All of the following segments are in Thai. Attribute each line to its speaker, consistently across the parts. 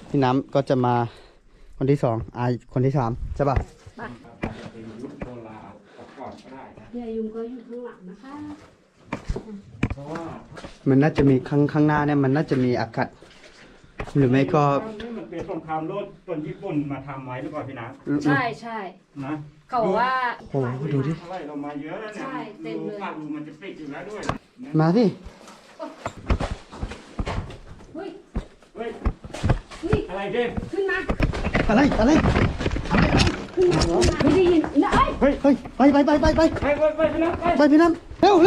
Speaker 1: พี่น้ำก็จะมาคนที่สองคนที่สามใช่ป่ะ
Speaker 2: พี่อายุก็อยู่ข้างหลังนะคะ
Speaker 1: มันน่าจะมีข้างหน้าเนี่ยมันน่าจะมีอากาศหรือไม่ก็
Speaker 3: มันเป็นสงครามโลกคนญี่ปุ่นมาทำไว้หรือเปล่าพี่น้
Speaker 2: ำใช่ใช่
Speaker 3: นะ
Speaker 2: เขาบอกว่า
Speaker 1: โอ้ดูดิ
Speaker 3: อะไรเรามาเยอะแล้วเนี่ยดูปากมันจะปิดอยู่แล้วด้วย
Speaker 1: มาดิ
Speaker 2: เฮ้ย
Speaker 3: เฮ้ยอะไรเด่น
Speaker 2: ขึ้นมา
Speaker 1: อะไร
Speaker 2: ไม่ได้ยินนะ
Speaker 1: เฮ้ยไปพี่น้ำเร็ว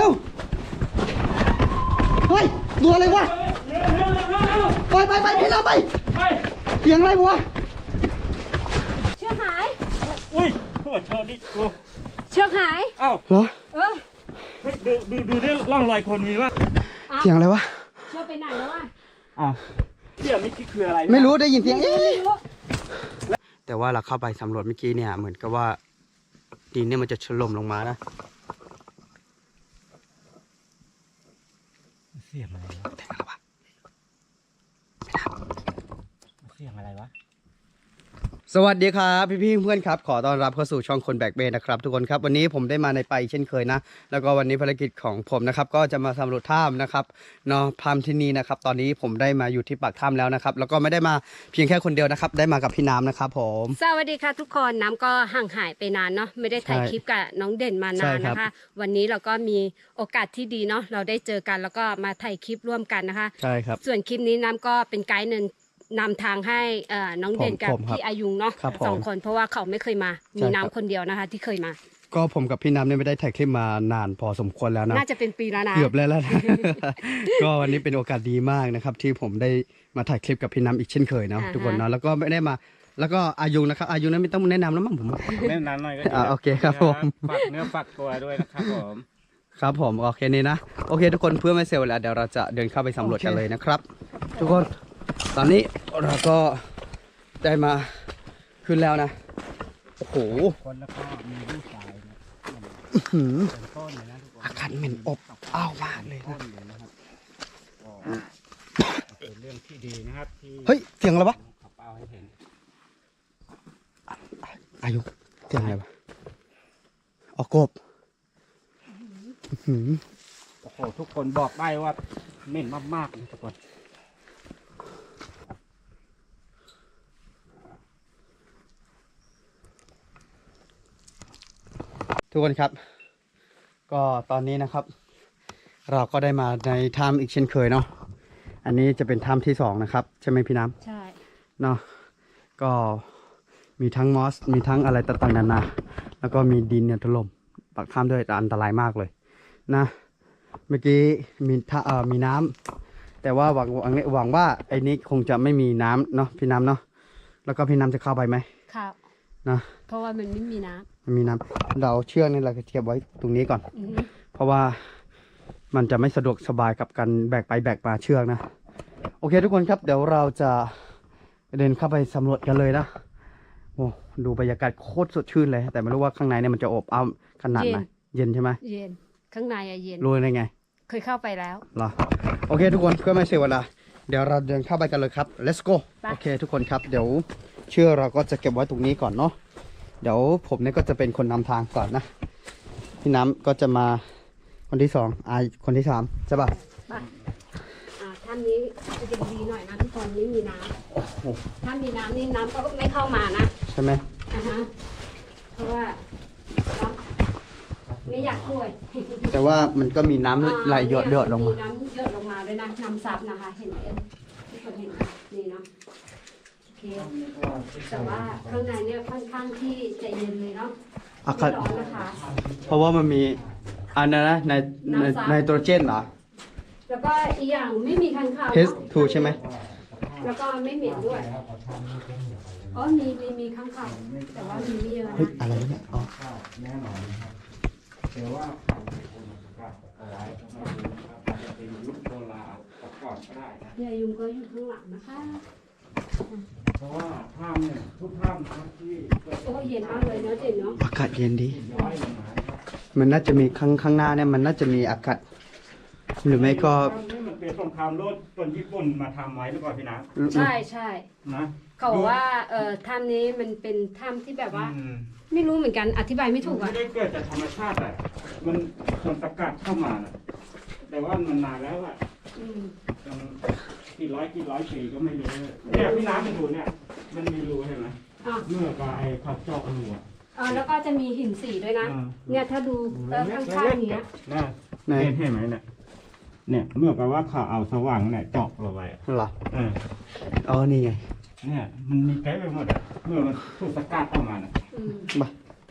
Speaker 1: เฮ้ยตัวอะไรวะไปพี่น้ำไปเสียงอะไรวะ
Speaker 2: เชือกหาย
Speaker 3: อุ้ยโทษดิ
Speaker 2: เชือกหาย
Speaker 3: อ้าว
Speaker 1: เหรอ
Speaker 3: ดูได้ร่องรอยคนมีวะ
Speaker 1: เสียงอะไรวะ
Speaker 2: เชือกไปไหนแล้ววะ
Speaker 3: อ้าวเสียงนี่คืออะไร
Speaker 1: ไม่รู้ได้ยินเสียงแต่ว่าเราเข้าไปสำรวจเมื่อกี้เนี่ยเหมือนกับว่าดินเนี่ยมันจะถล่มลงมานะ
Speaker 3: เสียงอะไรวะเสียงอะไรวะ
Speaker 1: สวัสดีครับพี่เพื่อนครับขอต้อนรับเข้าสู่ช่องคนแบกเบนนะครับทุกคนครับวันนี้ผมได้มาในไปเช่นเคยนะแล้วก็วันนี้ภารกิจของผมนะครับก็จะมาสำรวจถ้ำนะครับเนาะถ้ำที่นี่นะครับตอนนี้ผมได้มาอยู่ที่ปากถ้ำแล้วนะครับแล้วก็ไม่ได้มาเพียงแค่คนเดียวนะครับได้มากับพี่น้ำนะครับผม
Speaker 2: สวัสดีค่ะทุกคนน้ำก็ห่างหายไปนานเนาะไม่ได้ถ่ายคลิปกับน้องเด่นมานานนะคะวันนี้เราก็มีโอกาสที่ดีเนาะเราได้เจอกันแล้วก็มาถ่ายคลิปร่วมกันนะคะ
Speaker 1: ใช่ครับ
Speaker 2: ส่วนคลิปนี้น้ำก็เป็นไกด์นำทางให้น้องเด่นกับพี่อายุงเนาะ2 คนเพราะว่าเขาไม่เคยมามีน้ำคนเดียวนะคะที่เคยมา
Speaker 1: ก็ผมกับพี่น้ำเนี่ยไม่ได้ถ่ายคลิปมานานพอสมควรแล้วนะ
Speaker 2: น่าจะเป็นปีแล้วนะ
Speaker 1: เกือบแล้วนะ ก็วันนี้เป็นโอกาสดีมากนะครับที่ผมได้มาถ่ายคลิปกับพี่น้ำอีกเช่นเคยเนาะทุกคนเนาะแล้วก็ไม่ได้มาแล้วก็อายุนะครับอายุนั้นไม่ต้องแนะนำแล้วมั้งผม
Speaker 3: แนะนำหน่อยก็
Speaker 1: โอเคครับผม
Speaker 3: ฝากเนื้อฝากตัวด้วยนะครับผม
Speaker 1: ครับผมโอเคนี่นะโอเคทุกคนเพื่อไม่เสียเวลาเดี๋ยวเราจะเดินเข้าไปสำรวจกันเลยนะครับทุกคนตอนนี้เราก็ได้มาขึ้นแล้วนะโอ้โห
Speaker 3: คนแล้วก็มีลูกชายนะ
Speaker 1: อากาศเหม็นอบอ้าวมากเลยนะ
Speaker 3: เป็นเรื่องที่ดีนะครับ
Speaker 1: เฮ้ยเสียงอะไรวะ
Speaker 3: เอาให้เห็น
Speaker 1: อายุเสียงอะไรวะออกกบ
Speaker 3: โอ้โหทุกคนบอกได้ว่าเหม็นมากๆนะทุกคน
Speaker 1: ทุกคนครับก็ตอนนี้นะครับเราก็ได้มาในถ้ำอีกเช่นเคยเนาะอันนี้จะเป็นถ้ำที่2นะครับใช่ไหมพี่น้ำ
Speaker 2: ใช่
Speaker 1: เนาะก็มีทั้งมอสมีทั้งอะไรต่างๆนานาแล้วก็มีดินเนี่ยถล่มปากถ้ำด้วยอันตรายมากเลยนะเมื่อกี้มีน้ำแต่ว่าหวังว่าไอ้นี้คงจะไม่มีน้ำเนาะพี่น้ำเนาะแล้วก็พี่น้ำจะเข้าไปไหม
Speaker 2: ครับ
Speaker 1: นะ
Speaker 2: เพราะว่ามันไม่มีน้ำ
Speaker 1: มันมีน้ำเราเชือกนี่เราจะเทียบไว้ตรงนี้ก่อนเพราะว่ามันจะไม่สะดวกสบายกับการแบกไปแบกมาเชือกนะโอเคทุกคนครับเดี๋ยวเราจะเดินเข้าไปสำรวจกันเลยนะโอ้ดูบรรยากาศโคตรสดชื่นเลยแต่ไม่รู้ว่าข้างในเนี่ยมันจะอบอ้าวขนาดไหนเย็นใช่ไหม
Speaker 2: เย็นข้างในอะเย็น
Speaker 1: รู้ได้ไง
Speaker 2: เคยเข้าไปแล้ว
Speaker 1: เหรอโอเคทุกคนเพื่อไม่เสียเวลาเดี๋ยวเราเดินเข้าไปกันเลยครับ let's go โอเคทุกคนครับเดี๋ยวเชือกเราก็จะเก็บไว้ตรงนี้ก่อนเนาะเดี๋ยวผมเนี่ยก็จะเป็นคนนำทางก่อนนะพี่น้ำก็จะมาคนที่2คนที่3ใช่ป่ะ
Speaker 2: ท่านนี้จะดีหน่อยนะทุกคนไม่มีน้ำถ้ามีน้ำนี่น้ำก็ไม่เข้ามานะ
Speaker 1: ใช่ไหม
Speaker 2: เพราะว่าไม่อยากป่วย
Speaker 1: แต่ว่ามันก็มีน้ำไหลหยดลงมา
Speaker 2: มีน้ำหยดลงมาด้วยนะน้ำซับนะคะเห็นไหมทุกคนเห็นนี่เนาะโอเคแต่ว่าข้างในเนี่ยค่อนข้างที่จะเย็นเลยเนาะไม่ร้อนนะคะ
Speaker 1: เพราะว่ามันมีอันนั้นนะไนโตรเจนเหรอ
Speaker 2: แล้วก็อีกอย่างไม่มีค้างคาว
Speaker 1: H2 ใช่ไหม
Speaker 2: แล้วก็ไม่เหม็นด้วยอ๋อมีค้างคาวแต่ว่ามีไม่เยอะ
Speaker 1: นะอะไรเนี่ยอ๋อ
Speaker 3: แน่นอนนะครับเดี๋ยวว่าเอาไว้จะเป็นยุคโบราณก่อนก็ได้นะ
Speaker 2: พี่อายุก็อยู่ข้างหลังนะคะ
Speaker 3: เพราะว่าถ้ำเนี่ยทุกถ้ำที่
Speaker 2: โอ้เย็นมากเลยเนาะเจ๋งเนาะ
Speaker 1: อากาศเย็นดีมันน่าจะมีข้างหน้าเนี่ยมันน่าจะมีอากาศหรือไม่ก็
Speaker 3: มันเป็นสงครามโลกตอนญี่ปุ่นมาทำไว้หรือเปล่าพี่น้
Speaker 2: ใช่ใช่
Speaker 3: ำนะ
Speaker 2: เขาบอกว่าถ้ำนี้มันเป็นถ้ำที่แบบว่า
Speaker 3: อืม
Speaker 2: ไม่รู้เหมือนกันอธิบายไม่ถูก
Speaker 3: ไม่
Speaker 2: อ่ะ
Speaker 3: ได้เกิดจากธรรมชาติอ่ะมันตะกัดเข้ามาน่ะแต่ว่ามันนานแล้วอ่ะ
Speaker 2: อืม
Speaker 3: มันกี่ร้อยปีก็ไม่รู้เนี่ยพี่น้ำมันดูเนี่ยมันมีรูเห็นไหม
Speaker 2: อ่ะ
Speaker 3: เมื่อปลายเขาเจาะรูอ่ะ
Speaker 2: แล้วก็จะมีหินสีด้วยนะ
Speaker 3: อ่า
Speaker 2: เนี่ยถ้าดูข้างๆเนี้ย
Speaker 3: นะ
Speaker 1: ไหน
Speaker 3: เห็นไหมเนี่ยเมื่อแปลว่าเขาเอาสว่างเนี่ยเจาะเราไว้อะ
Speaker 1: เหรอ
Speaker 3: เออ
Speaker 1: อ๋อนี่ไง
Speaker 3: เนี่ยมันมีเต็มไปหมดอ่ะเมื่อมันถูกสกัดออกมาน่ะ
Speaker 2: อืม
Speaker 1: มา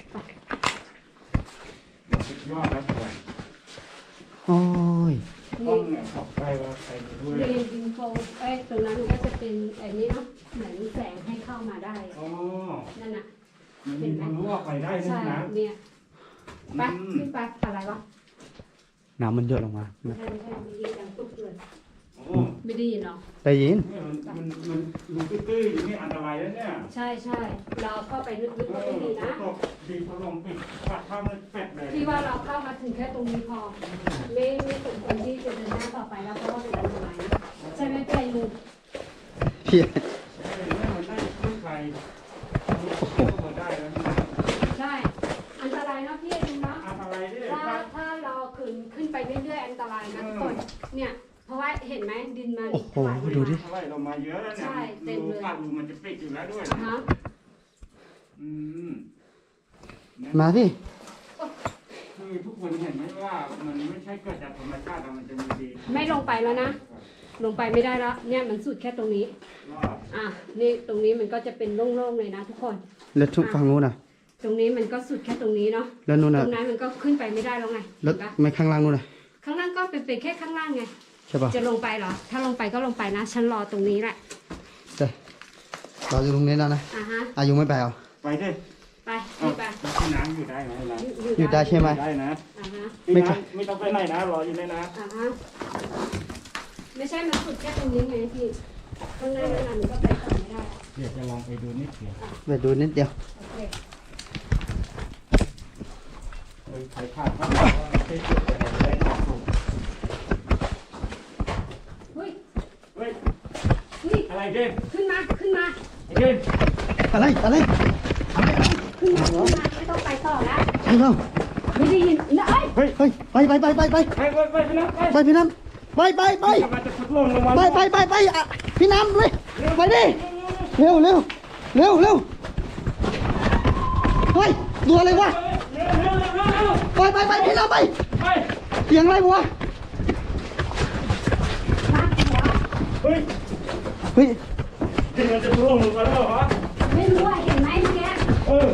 Speaker 3: สุดยอดแล้วเลย
Speaker 1: โอ้ย
Speaker 3: ต้องเนี่ยขอบไปว่าไปด้วย
Speaker 2: เรียนดินโฟตรงนั้นก็จะเป็นไอ้นี้เนาะเหมือนแสงให้เข้ามาได้
Speaker 3: อ๋อ
Speaker 2: นั่นน่ะ
Speaker 3: มันมีทะลุออกไปได้นะ
Speaker 2: ใช่
Speaker 3: นะ
Speaker 2: เนี่ยไปขึ้นไปอะไรวะ
Speaker 1: น้ำมันเยอะลงมา
Speaker 2: ไม่ใช่ไม่ได้ยินดังตุ๊บเลย
Speaker 3: โอ้
Speaker 2: ไม่ได้ยินเนาะ
Speaker 1: ได้ยิน
Speaker 3: เนี่ยมันรูตื้อๆอย่างนี้อันตรายแล้วเนี่ย
Speaker 2: ใช่ใช่เราเข้าไปลึกๆก็ไม่ดีนะ
Speaker 3: ตกดีพลมปิดปัดข้าวมันเป็ดเลย
Speaker 2: ที่ว่าเราเข้ามาถึงแค่ตรงนี้พอไม่สมควรที่จะเดินหน้าต่อไปแล้วเพราะว่าเป็นอันตรายนะใช่ไหมพี่ไอ้ลุง
Speaker 1: พี่
Speaker 3: มันได้ไม่ไกลเข้ามาได้แล้วนะ
Speaker 2: ใช่ อันตรายนะพี่ไอ้ลุงเนาะ
Speaker 3: อันตรายดิ
Speaker 2: ถ้าเราขึ้นไปเรื่อยๆอันตรายนะทุกคนเนี่ยเพราะว่าเห็นไหมดินมัน
Speaker 1: โอ้โหดูดิ
Speaker 3: เท่าไหร่เรามาเยอะแล้วเนี่ย
Speaker 2: ใช่เต็มเลย
Speaker 3: ปากรูมันจะปิดอยู่แล้วด้วย
Speaker 2: อ่ะฮะ
Speaker 3: อืม
Speaker 1: มาสิ
Speaker 3: คือทุกคนเห็นไหมว่ามันไม่ใช่เกิดจากธรรมชาติอะมันจะมีดี
Speaker 2: ไม่ลงไปแล้วนะ ลงไปไม่ได้แล้วเนี่ยมันสุดแค่ตรงนี้
Speaker 3: รอด
Speaker 2: อ่ะนี่ตรงนี้มันก็จะเป็นโล่งๆเลยนะทุกคน
Speaker 1: แล้วทุกฝั่งนู้นน่ะ
Speaker 2: ตรงนี้มันก็สุดแค่ตรงนี้เนาะ
Speaker 1: แล้วนู้น
Speaker 2: ต
Speaker 1: น่ะ
Speaker 2: รงนั้นมันก็ขึ้นไปไม่ได้แล้วไง
Speaker 1: แล้ว
Speaker 2: เห็นปะ
Speaker 1: ไม่ข้างล่างนู้นน่ะ
Speaker 2: ข้างล่างก็เป็นแค่ข้างล่างไง
Speaker 1: ใช่ป่ะ
Speaker 2: จะลงไปเหรอ ถ้าลงไปก็ลงไปนะ ฉันรอตรงนี้แหละ
Speaker 1: ใช่เราอยู่ตรงนี้แล้วนะ
Speaker 2: อ่ะฮะ
Speaker 1: อายุไม่ไปเอา
Speaker 3: ไปดิ
Speaker 2: ไปรีบไป
Speaker 3: ที่น้ำอยู่ได้ไหมนะ
Speaker 1: อยู่ได้ใช่ไหม
Speaker 3: ได้นะ
Speaker 2: อ่ะฮะ
Speaker 1: ไม่ไป
Speaker 3: ไม่ต้องไปไหนนะรออยู่เลยนะ
Speaker 2: อ่ะฮะไม่ใช่มันสุดแค่ตรงนี้ไงพี่ ข้างหน้านั้นมันก็ไปต่อไม่ได้
Speaker 3: เดี๋ยวจะลองไปดูนิดเดียว
Speaker 1: ไปดูนิดเดียว
Speaker 2: โอเค
Speaker 3: ใครพลาดก็บอกว่าไม่ใช่จุดอะไรได้ออกถูก
Speaker 2: เฮ้ย
Speaker 3: เฮ้ย
Speaker 2: เฮ้ย
Speaker 3: อะไรเด่น
Speaker 2: ขึ้นมา ขึ้นมา
Speaker 3: เด่น
Speaker 1: อะไรอะไร
Speaker 2: ขึ้นมา ขึ้นมา ไม่ต้องไปต่อแล้ว
Speaker 1: ใช่เปล่า
Speaker 2: ไม่ได้ยินนะเอ้ย
Speaker 3: เฮ้ย
Speaker 1: เฮ้ยไปไปไปไปไป
Speaker 3: ไปพี่น้ำ
Speaker 1: ไปพี่น้ำไปไปไป
Speaker 3: กำลังจะทดลองลงมา
Speaker 1: ไปอ่ะพี่น้ำเลยไปดิเร็วเร็วเร็วเร็วเฮ้ยตัวอะไรวะ
Speaker 3: เร็วเร็วเร็วเร็วเร็ว
Speaker 1: ไปพี่น้ำไป
Speaker 3: ไป
Speaker 1: เสียงอะไรวะ
Speaker 2: มาหัว
Speaker 3: เฮ้ย
Speaker 1: เฮ้ย
Speaker 3: กำลังจะทดลองลงมาแล้วเหรอ
Speaker 2: ไม่รู้ว่าเห็นไหมเมื่อกี้
Speaker 3: เออ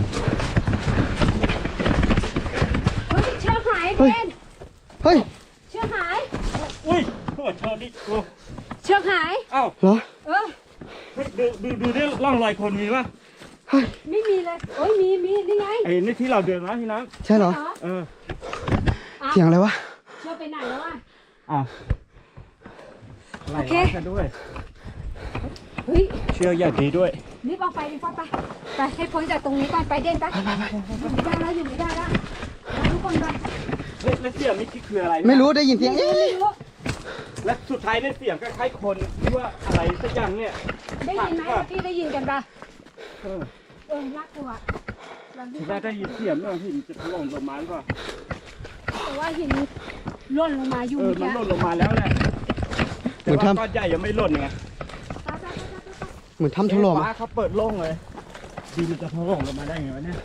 Speaker 2: เฮ้ยเชือกหาย
Speaker 1: เฮ้ย
Speaker 2: เป็น
Speaker 1: เฮ้ย
Speaker 2: เชือกหาย
Speaker 3: อุ้ยโทษโทษดิโอ้
Speaker 2: เชือกหาย
Speaker 3: เอ้า
Speaker 1: เหรอ
Speaker 2: เออ
Speaker 3: เฮ้ยดูดิร่องรอยคนมีป่ะ
Speaker 1: เฮ้ย
Speaker 2: ไม่มีเลยโอ้ยมีนี่ไง
Speaker 3: ไอ้นี่ที่เราเดินมาพี่น้
Speaker 1: ใช่เหรอ
Speaker 3: ำเออ
Speaker 1: เสียงอะไรวะ
Speaker 2: เชือกไปไหนแล้วอ่ะ
Speaker 3: อ่ะไหล
Speaker 2: โอเค
Speaker 3: กันด้วย
Speaker 2: เฮ้ย
Speaker 3: เชือกอย่างดีด้วย
Speaker 2: รีบออกไปรีบออกไป ไปให้พ้นจากตรงนี้ก่อนไปเด่นไปอยู่ไม่ได้แล้วอยู่ไม่ได้แล้วไปทุกคนไป
Speaker 3: แล้วเสียงนี่คืออะไร
Speaker 1: ไม่รู้ได้ยินเสียง
Speaker 2: ไม่รู้
Speaker 3: และสุดท้ายเนี่ยเสียงคล้ายๆคนที่ว่าอะไรสักอย่างเนี่ย
Speaker 2: ได้ยินไหมพี่ได้ยินกันปะ
Speaker 3: เออ
Speaker 2: น่ากลัวเรารีบ
Speaker 3: ถ้าได้ยินเสียงเนี่ยหินจะถล่มลงมาหรือเปล่า
Speaker 2: แต่ว่าหินหล่นลงมาอยู่
Speaker 3: เออ
Speaker 2: เมื่อ
Speaker 3: มัน
Speaker 2: กี้
Speaker 3: หล่นลงมาแล้วแหละแต่ว่าก้อนใหญ่ยังไม่หล่นไง
Speaker 1: เหมือนทำถล่ม
Speaker 3: ฟ้าเขาเปิดโล่งเลยดีมันจะถล่มลงมาได้ไงวะเนี่ย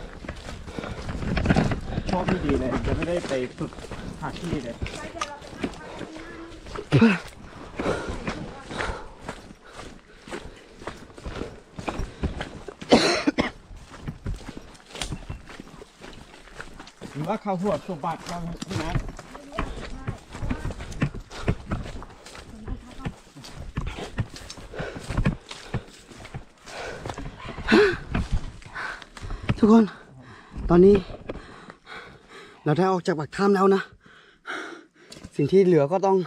Speaker 3: ชอบไม่ดีเลยจะไม่ได้ไปฝึกหาที่เลย หรือว่าเขาหัวสมบัติเขาที่นั้น
Speaker 1: ทุกคน ตอนนี้ เราได้ออกจากปากถ้ำแล้วนะ สิ่งที่เหลือก็ต้อง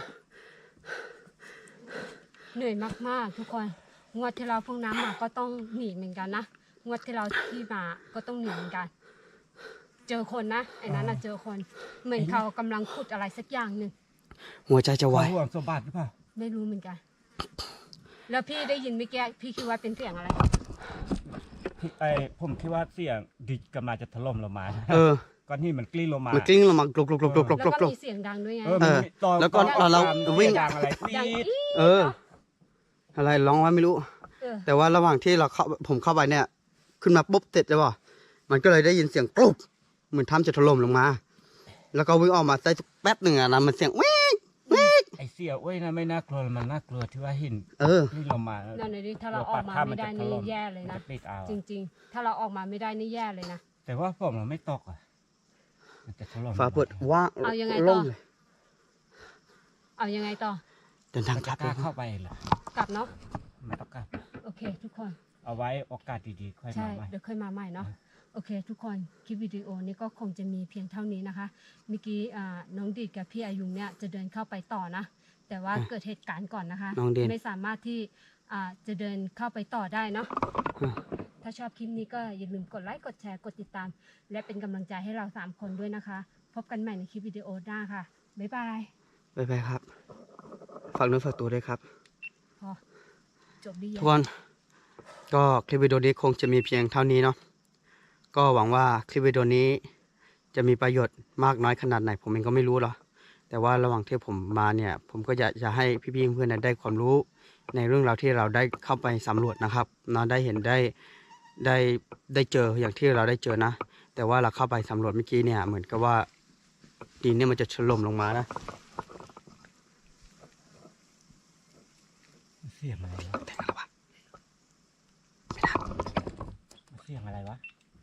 Speaker 2: เหนื่อยมากๆทุกคนงวดที่เราเพิ่งน้ำมาก็ต้องหนีเหมือนกันนะงวดที่เราที่มาก็ต้องหนีเหมือนกัน เจอคนนะไอ้นั้นน่ะเจอคนเหมือนเขากำลังขุดอะไรสักอย่างหนึ่ง
Speaker 1: หัวใจจะวาย
Speaker 3: เขาห่วงสมบัติหรือเปล่า
Speaker 2: ไม่รู้เหมือนกัน แล้วพี่ได้ยินเมื่อกี้พี่คิดว่าเป็นเสียงอะไร
Speaker 3: ผมคิดว่าเสียงดิกำลังจะถล่มลงมา
Speaker 1: เออ
Speaker 3: ก้อนหินมันกลิ้งลงมา
Speaker 1: มันกลิ้งลงมากรกรกรกรกรก
Speaker 2: แล้ว
Speaker 1: รก
Speaker 2: ก็
Speaker 1: รก
Speaker 2: มีเสียงดังด้วยไง
Speaker 3: มันมีตอน
Speaker 1: แล้วก็
Speaker 3: ตอน
Speaker 1: เรา
Speaker 3: ตม
Speaker 1: วิ่ง
Speaker 3: ดังอะไร
Speaker 2: ดัง
Speaker 3: ปี๊ด
Speaker 2: อี๊ด
Speaker 1: เออ อะไรร้องว่าไม่รู้
Speaker 2: เออ
Speaker 1: แต่ว่าระหว่างที่ผมเข้าไปเนี่ย ขึ้นมาปุ๊บเสร็จใช่ป่ะมันก็เลยได้ยินเสียงกรุบเหมือนถ้ำจะถล่มลงมา แล้วก็วิ่งออกมาได้สักแป๊บหนึ่งอะนะมันเสียงวิ่งวิ่ง
Speaker 3: ไอเสียเว้ยนะไม่น่ากลัวมันน่ากลัวที่ว่าหิน
Speaker 1: เออ
Speaker 3: กลิ้งลงมา
Speaker 2: นั่นเลยดิถ้าเราออกมาไม่ได้นี่แย่เลยนะ
Speaker 3: มัจปิดเอา
Speaker 2: จริงๆ ถ้าเราออกมาไม่ได้นี่แย่เลยนะ
Speaker 3: แต่ว่าผมเราไม่ตกอ่ะมันจะถล่ม
Speaker 1: ฟ้าเปิดว่าง
Speaker 2: เอายังไงต่อ
Speaker 1: โล่งเลย
Speaker 2: เอายังไงต่อ
Speaker 1: เดินทาง
Speaker 3: มัน
Speaker 1: กลั
Speaker 3: จะ
Speaker 1: บ
Speaker 3: กล้าเข้าไปเหรอก
Speaker 2: ลับเนาะ
Speaker 3: ไม่ต้องกล้า
Speaker 2: โอเค ทุกคน
Speaker 3: เอาไว้โอกาสดีๆค่อย
Speaker 2: ใช่
Speaker 3: มาใหม่
Speaker 2: เดี๋ยวค่อยมาใหม่เนาะ โอเค ทุกคน คลิปวิดีโอนี้ก็คงจะมีเพียงเท่านี้นะคะ เมื่อกี้น้องดีดกับพี่อายุงเนี่ยจะเดินเข้าไปต่อนะ แต่ว่าเกิดเหตุการณ์ก่อนนะคะ
Speaker 1: น้องเดน
Speaker 2: ไม่สามารถที่จะเดินเข้าไปต่อได้เนาะ ถ้าชอบคลิปนี้ก็อย่าลืมกดไลค์ กดแชร์ กดติดตาม และเป็นกำลังใจให้เรา3คนด้วยนะคะ พบกันใหม่ในคลิปวิดีโอหน้าค่ะ บ๊ายบาย
Speaker 1: ไปไปครับ ฝากเนื้อฝากตัวด้วยครับ
Speaker 2: พอ จบดี
Speaker 1: ทุกคน ก็คลิปวิดีโอนี้คงจะมีเพียงเท่านี้เนาะ ก็หวังว่าคลิปวิดีโอนี้จะมีประโยชน์มากน้อยขนาดไหนผมเองก็ไม่รู้หรอกแต่ว่าระหว่างที่ผมมาเนี่ย ผมก็อยากจะให้พี่ๆเพื่อนๆได้ความรู้ในเรื่องราวที่เราได้เข้าไปสำรวจนะครับเนาะได้เห็นได้เจออย่างที่เราได้เจอนะ แต่ว่าเราเข้าไปสำรวจเมื่อกี้เนี่ยเหมือนกับว่าดินเนี่ยมันจะถล่มลงมานะ
Speaker 3: เสียงอะไรวะ
Speaker 1: แต่งอะไรวะ
Speaker 3: เสียงอะไรวะ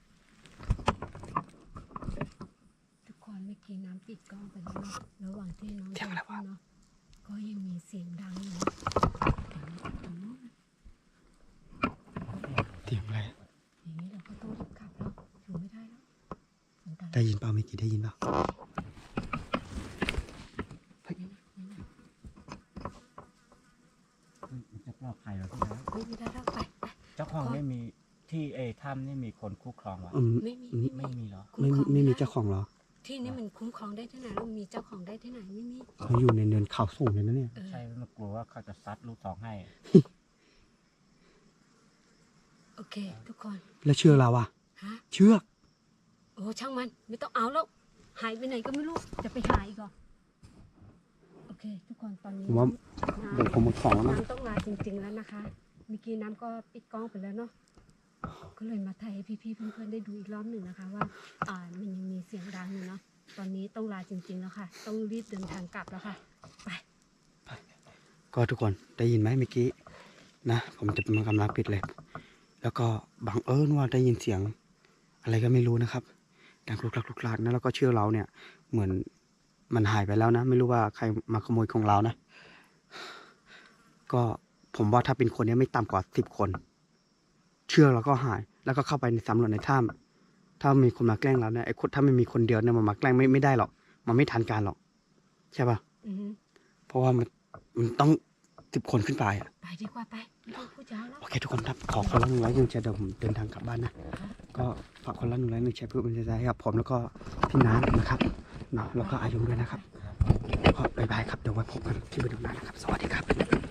Speaker 2: ทุกคนเมื่อกี้น้ำปิดกล้องไปแล้วเนาะระหว่างที่น้องเดินเข้าเนาะก็ยังมีเสียงดังอยู่นะตรงนู้น
Speaker 1: เสียงอะไร
Speaker 2: อย่างนี้เราก็ต้องรีบกลับแล้วอยู่ไม่ได้แล้วอันตราย
Speaker 1: ได้ยินเปล่าเมื่อกี้ได้ยินเปล่า
Speaker 3: มันจะปลอดภัยเหรอพี่นะ
Speaker 2: ไม่ได้แล้วไป
Speaker 3: เจ้าของไม่มีที่ถ้ำนี่มีคนคุ้มครองวะ
Speaker 2: ไม่มี
Speaker 3: ไม่มีเหรอ
Speaker 1: ไม่มีเจ้าของเหรอ
Speaker 2: ที่นี่มันคุ้มครองได้ที่ไหนแล้วมีเจ้าของได้ที่ไหนไม่มี
Speaker 1: เขาอยู่ในเนินเขาสูงเลยนะเนี่ย
Speaker 2: เออ
Speaker 3: ใช่มันกลัวว่าเขาจะซัดลูกสองให้
Speaker 2: โอเค ทุกคน
Speaker 1: แล้วเชือกเราอะ
Speaker 2: ฮะ
Speaker 1: เชือก
Speaker 2: โอ้ช่างมันไม่ต้องเอาแล้วหายไปไหนก็ไม่รู้จะไปหาอีกเหรอโอเค ทุกคนตอนนี้
Speaker 1: ผมว่าเดี๋ยวผมหมดของแล้วนะ
Speaker 2: น้ำต้องมาจริงๆแล้วนะคะเมื่อกี้น้ำก็ปิดกล้องไปแล้วเนาะก็เลยมาถ่ายให้พี่ๆเพื่อนๆได้ดูอีกรอบหนึ่งนะคะ ว่ามันยังมีเสียงดังอยู่เนาะตอนนี้ต้องลาจริงๆแล้วค่ะ ต้องรีบเดินทางกลับแล้วค่ะไป
Speaker 1: ก็ทุกคนได้ยินไหมเมื่อกี้นะผมจะมันกำลังปิดเลย แล้วก็บังเอิญว่าได้ยินเสียง อะไรก็ไม่รู้นะครับดังคลุกคลักคลุกคลักนะแล้วก็เชือกเราเนี่ย เหมือนมันหายไปแล้วนะ ไม่รู้ว่าใครมาขโมยของเรานะ ก็ผมว่าถ้าเป็นคนเนี้ไม่ต่ำกว่า10 คน เชือกเราก็หาย แล้วก็เข้าไปในสำรวจในถ้ำถ้ามีคนมาแกล้งเราเนี่ยไอ้คนถ้าไม่มีคนเดียวเนี่ยมันมาแกล้งไม่ได้หรอกมันไม่ทันการหรอกใช่ป่ะ
Speaker 2: อือฮึ
Speaker 1: เพราะว่ามันต้อง10 คนขึ้นไปอ่ะ
Speaker 2: ไปดีกว่าไปไม่ต้องพูดยาวแล้ว
Speaker 1: โอเคทุกคนครับขอคนละ100ยังแชร์เดี๋ยวผมเดินทางกลับบ้านนะก็ฝากคนละ100ยังแชร์เพื่อเป็นกำลังใจให้กับผมแล้วก็พี่น้ำนะครับเนาะแล้วก็อายุด้วยนะครับก็บ๊ายบายครับเดี๋ยวไว้พบกันที่วิดีโอหน้านะครับสวัสดีครับ